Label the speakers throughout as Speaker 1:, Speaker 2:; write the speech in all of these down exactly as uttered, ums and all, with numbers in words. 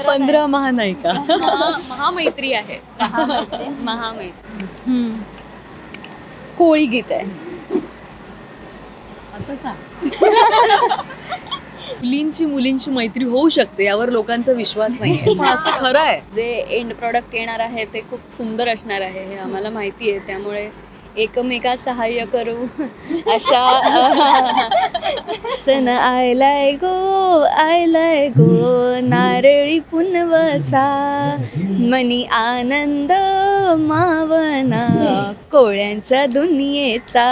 Speaker 1: पंधरा महानायिका.
Speaker 2: महामैत्री आहे. महामैत्री.
Speaker 3: कोळी गीत आहे.
Speaker 1: आता सांग. मुलींची मुलींची मैत्री होऊ शकते यावर लोकांचा विश्वास नाहीये, पण असं खरं आहे.
Speaker 2: जे एंड प्रॉडक्ट येणार आहे ते खूप सुंदर असणार आहे हे आम्हाला माहिती आहे. त्यामुळे एकमेका सहाय्य करू अशा सन आयलाय गो आयलाय गो नारळी पुनवचा मनी आनंद मावना कोळ्यांच्या दुनियेचा.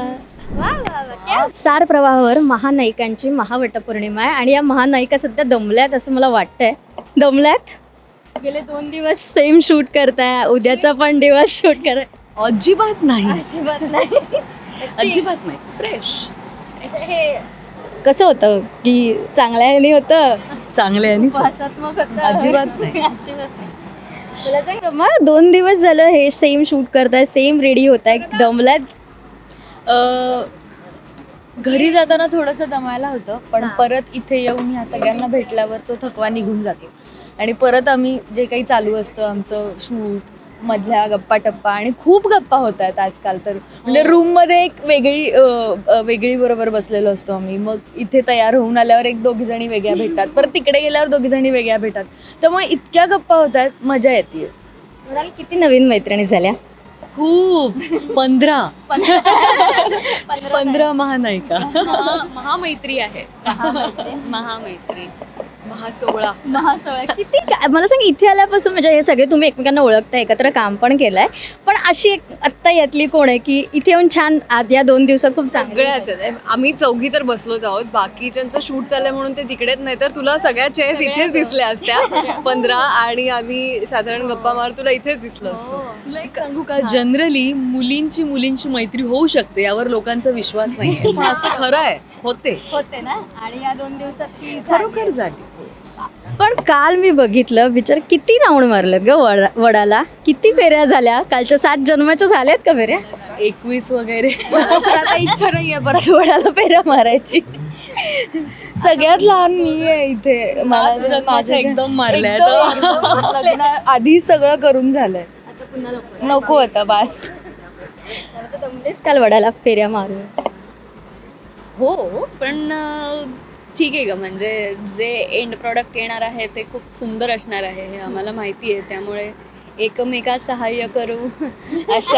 Speaker 3: स्टार प्रवाहावर महानायिकांची महावटपौर्णिमा आहे आणि या महानायिका सध्या दमल्यात असं मला वाटतंय. दमल्यात. गेले दोन दिवस सेम शूट करताय, उद्याचा पण दिवस शूट करताय.
Speaker 1: अजिबात नाही,
Speaker 3: अजिबात नाही.
Speaker 1: अजिबात नाही. फ्रेश.
Speaker 3: हे कसं होतं की चांगल्याने होतं,
Speaker 1: चांगले आणि
Speaker 3: भासात्मक होतं.
Speaker 1: अजिबात नाही.
Speaker 3: अजिबात नाही. मला सांग मग दोन दिवस झालं हे सेम शूट करताय, सेम रेडी होत आहे, दमल्यात.
Speaker 1: घरी जाताना थोडंसं दमायला होतं, पण परत इथे येऊन ह्या सगळ्यांना भेटल्यावर तो थकवा निघून जातो आणि परत आम्ही जे काही चालू असतं आमचं शूट मधल्या गप्पा टप्पा आणि खूप गप्पा होत आहेत आजकाल तर. म्हणजे रूममध्ये एक वेगळी अ, अ, वेगळी बरोबर बसलेलो असतो आम्ही, मग इथे तयार होऊन आल्यावर एक दोघी जणी वेगळ्या भेटतात, परत तिकडे गेल्यावर दोघी जणी वेगळ्या भेटतात. त्यामुळे इतक्या गप्पा होत आहेत, मजा येते.
Speaker 3: म्हणाल किती नवीन मैत्रिणी झाल्या.
Speaker 1: खूप. पंधरा पंधरा महानायिका.
Speaker 2: महा- महामैत्री आहे. महामैत्री.
Speaker 1: महासोळा.
Speaker 3: महासोळा किती काय मला सांग. इथे आल्यापासून म्हणजे हे सगळे तुम्ही एकमेकांना ओळखता, एकत्र काम पण केलंय, पण अशी एक आत्ता यातली कोण आहे की इथे येऊन छान आज या दोन दिवसात खूप चांगले.
Speaker 4: सगळ्याच आहेत. आम्ही चौघी तर बसलोच आहोत, बाकीच्यांचं शूट चाललंय म्हणून ते तिकडेच, नाही तर तुला सगळ्या चेअर्स इथेच दिसल्या असत्या पंधरा, आणि आम्ही साधारण गप्पा मार तुला इथेच दिसलो असतो.
Speaker 1: तुला एक सांगू का, जनरली मुलींची मुलींची मैत्री होऊ शकते यावर लोकांचा विश्वास नाहीये, पण असं खरं आहे. होते
Speaker 3: होते ना. आणि या दोन दिवसात ती
Speaker 1: खरोखर झाली.
Speaker 3: पण काल मी बघितलं बिचार किती राऊंड मारलेत ग वडा वडाला. किती फेऱ्या झाल्या कालच्या. सात जन्माच्या झाल्यात का फेऱ्या.
Speaker 1: एकवीस वगैरे.
Speaker 3: आता इच्छा नाहीये परत वडाला फेऱ्या मारायची.
Speaker 1: सगळ्यात लहान मी आहे इथे. मला माझ्या एकदम मारल्या लग्न आधी सगळं करून झालंय.
Speaker 3: आता पुन्हा नको.
Speaker 1: नको होतं बास.
Speaker 3: आता दमलेस काल वडाला फेऱ्या मारून.
Speaker 2: हो, पण अं, ठीक आहे ग. म्हणजे जे एंड प्रॉडक्ट येणार आहे ते खूप सुंदर असणार आहे हे आम्हाला माहिती आहे. त्यामुळे एकमेका सहाय्य करू अशा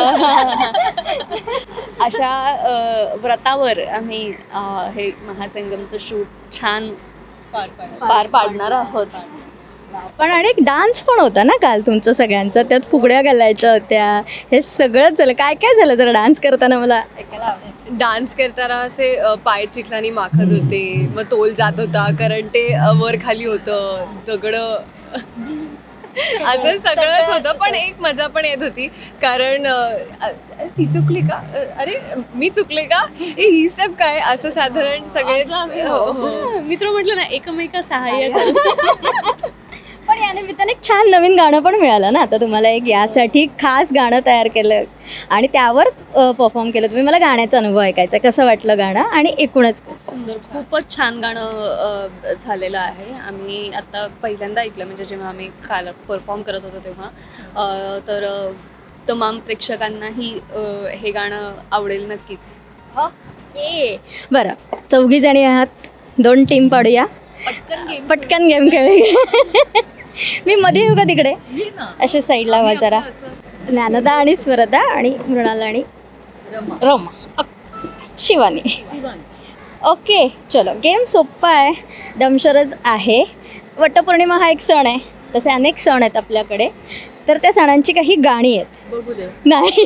Speaker 2: अशा अं, व्रतावर आम्ही अं, हे महासंगमचं शूट छान पार पाडणार आहोत.
Speaker 3: पण आणि एक डान्स पण होता ना काल तुमचं सगळ्यांचा. त्यात फुगड्या घालायच्या होत्या. हे सगळंच झालं. काय काय झालं जरा डान्स करताना मला ऐकायला आवडेल.
Speaker 4: डान्स करताना असे अ, पाय चिखलानी माखत होते, मग तोल जात होता कारण ते अ, वर खाली होतं दगडं. असं सगळंच होतं, पण एक मजा पण येत होती कारण अ, अ, ती चुकली का, अ, अरे मी चुकले का, ए, ही स्टेप काय, असं साधारण सगळे. हो, हो.
Speaker 2: मित्र म्हटलं ना एकमेका सहाय्य करू.
Speaker 3: पण या निमित्ताने एक छान नवीन गाणं पण मिळालं ना आता तुम्हाला. एक यासाठी खास गाणं तयार केलं आणि त्यावर परफॉर्म केलं तुम्ही. मला गाण्याचा अनुभव ऐकायचा. कसं वाटलं गाणं आणि एकूणच.
Speaker 2: सुंदर, खूपच छान गाणं अ, झालेलं आहे. आम्ही आता पहिल्यांदा ऐकलं, म्हणजे जेव्हा आम्ही काल परफॉर्म करत होतो तेव्हा. अ, तर अ, तमाम प्रेक्षकांनाही अ, हे गाणं आवडेल नक्कीच.
Speaker 3: ओके बरं, चौघी जणी आहात, दोन टीम पाडूया.
Speaker 2: पटकन गेम.
Speaker 3: पटकन गेम खेळूया. मी मध्ये येऊ का तिकडे. अशा साईडला हवा जरा. ज्ञानदा आणि स्वरदा आणि मृणाल आणि रमा अक- शिवानी. ओके चलो, गेम सोप्पा आहे, दमशरच आहे. वटपौर्णिमा हा एक सण आहे, तसे अनेक सण आहेत आपल्याकडे. तर त्या सणांची काही गाणी आहेत.
Speaker 1: बघू दे.
Speaker 3: नाही.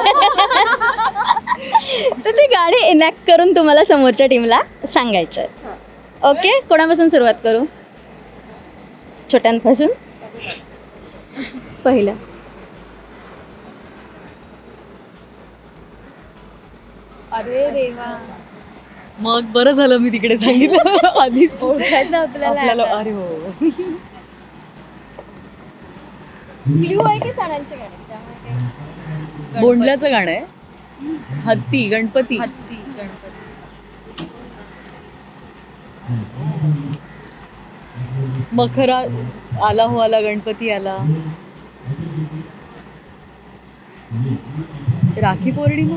Speaker 3: तर ती गाणी इनॅक्ट करून तुम्हाला समोरच्या टीमला सांगायचं आहे. ओके, कोणापासून सुरुवात करू. छोट्यांपासून. पहिलं.
Speaker 2: अरे देवा.
Speaker 1: मग बरं झालं मी तिकडे सांगितलं आधीच.
Speaker 2: ओळखायचं आपल्याला
Speaker 1: आपल्याला
Speaker 2: आता.
Speaker 1: अरे हो.
Speaker 3: क्ल्यू आहे की सणांची गाणी त्यामुळे काही-
Speaker 1: बोंडल्याचं गाणं आहे. हत्ती गणपती.
Speaker 2: हत्ती गणपती.
Speaker 1: मखरा आला हो आला गणपती आला. राखी पौर्णिमा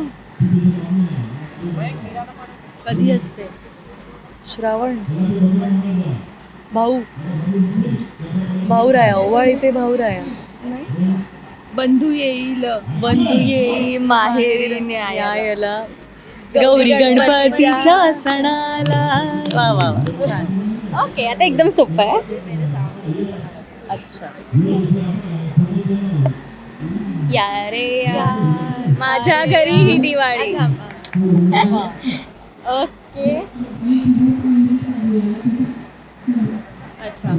Speaker 1: कधी असते? श्रावण. भाऊ भाऊराया ओवाळ इथे भाऊराया नाही.
Speaker 2: बंधू येईल
Speaker 1: बंधू येई
Speaker 2: माहेरी
Speaker 1: न्यायाला गौरी गणपतीच्या सणाला. वा वा वा छान.
Speaker 3: ओके आता एकदम सोपं आहे.
Speaker 1: अच्छा.
Speaker 2: या रे या माझ्या घरी ही दिवाळी.
Speaker 3: ओके
Speaker 4: अच्छा.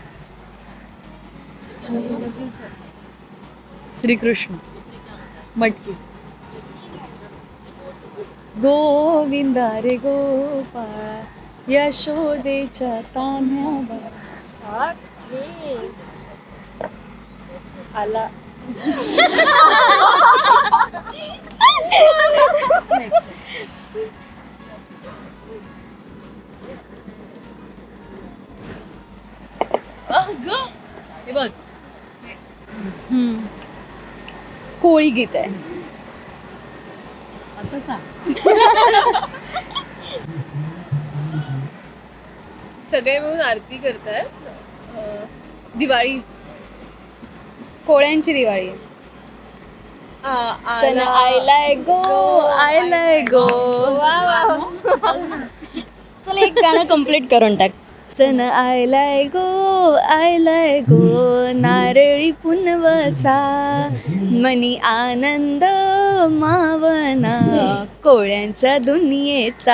Speaker 1: श्रीकृष्ण मटकी. गोविंदा रे गोपाळा यशोदेच्या तान्ह्या बाळा. आला. हे बघ
Speaker 2: कोळी गीत आहे.
Speaker 1: आता सांग.
Speaker 4: सगळे मिळून आरती करतायत. अं, दिवाळी.
Speaker 2: कोळ्यांची दिवाळी.
Speaker 4: आ-
Speaker 2: सन
Speaker 4: आला-
Speaker 2: आयलाय गो आयलाय गो.
Speaker 3: चल एक गाणं कम्प्लीट करून टाक.
Speaker 2: सन आयलाय गो आयलाय गो नारळी पुनवचा मनी आनंद मावना कोळ्यांच्या दुनियेचा.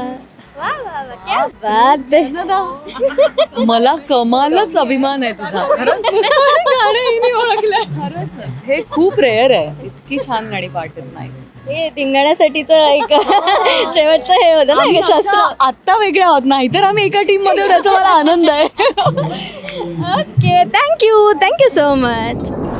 Speaker 3: बात आहे.
Speaker 1: मला कमालच अभिमान आहे तुझा. खरंच गाणं हिने ओळखलं. खरंच हे खूप रेअर आहे. इतकी छान गाणी पाठत नाहीस.
Speaker 3: हे धिंगाण्यासाठीचं एक शेवटचं हे होतं ना एक शास्त्र.
Speaker 1: आत्ता वेगळ्या आहोत नाहीतर आम्ही एका टीम मध्ये आहोत, त्याचा मला आनंद आहे.
Speaker 3: Okay thank you thank you so much.